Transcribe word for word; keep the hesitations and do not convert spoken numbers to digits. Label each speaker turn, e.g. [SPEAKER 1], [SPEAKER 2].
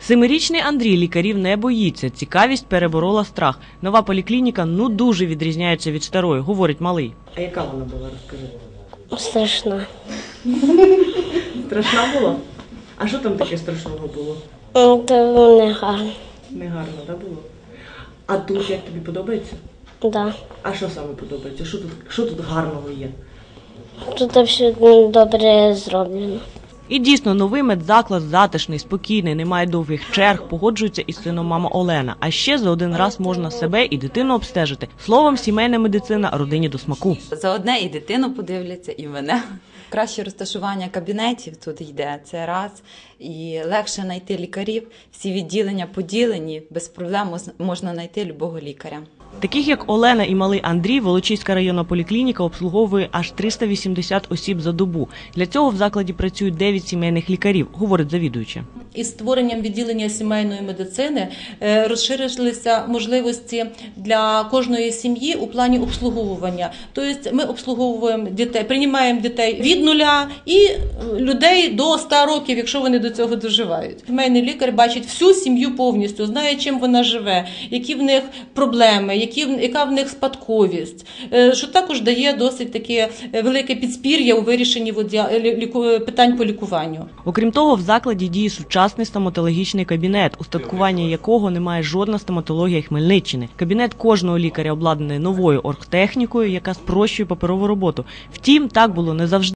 [SPEAKER 1] Семирічний Андрій лікарів не боїться. Цікавість переборола страх. Нова поліклініка ну дуже відрізняється від старої, говорить малий. А яка вона була, розкажи?
[SPEAKER 2] Страшна.
[SPEAKER 1] Страшна була? А що там таке страшного було?
[SPEAKER 2] Це було не гарно.
[SPEAKER 1] Не гарно, так було? А тут як тобі подобається?
[SPEAKER 2] Да.
[SPEAKER 1] А що саме подобається? Що тут, що тут гарного є?
[SPEAKER 2] Тут все добре зроблено.
[SPEAKER 1] І дійсно, новий медзаклад затишний, спокійний, немає довгих черг, погоджується із сином мама Олена. А ще за один раз можна себе і дитину обстежити. Словом, сімейна медицина родині до смаку.
[SPEAKER 3] За одне і дитину подивляться, і мене. Краще розташування кабінетів тут йде, це раз. І легше знайти лікарів. Всі відділення поділені, без проблем можна знайти любого лікаря.
[SPEAKER 1] Таких, як Олена і малий Андрій, Волочиська районна поліклініка обслуговує аж триста вісімдесят осіб за добу. Для цього в закладі працюють дев'ять сімейних лікарів, говорить завідуюча.
[SPEAKER 4] Із створенням відділення сімейної медицини розширилися можливості для кожної сім'ї у плані обслуговування. Тобто ми обслуговуємо дітей, приймаємо дітей від нуля і людей до ста років, якщо вони до цього доживають. Сімейний лікар бачить всю сім'ю повністю, знає, чим вона живе, які в них проблеми, які, яка в них спадковість, що також дає досить таке велике підспір'я у вирішенні питань по лікуванню.
[SPEAKER 1] Окрім того, в закладі діє сучасний стоматологічний кабінет, устаткування якого не має жодна стоматологія Хмельниччини. Кабінет кожного лікаря обладнаний новою оргтехнікою, яка спрощує паперову роботу. Втім, так було не завжди.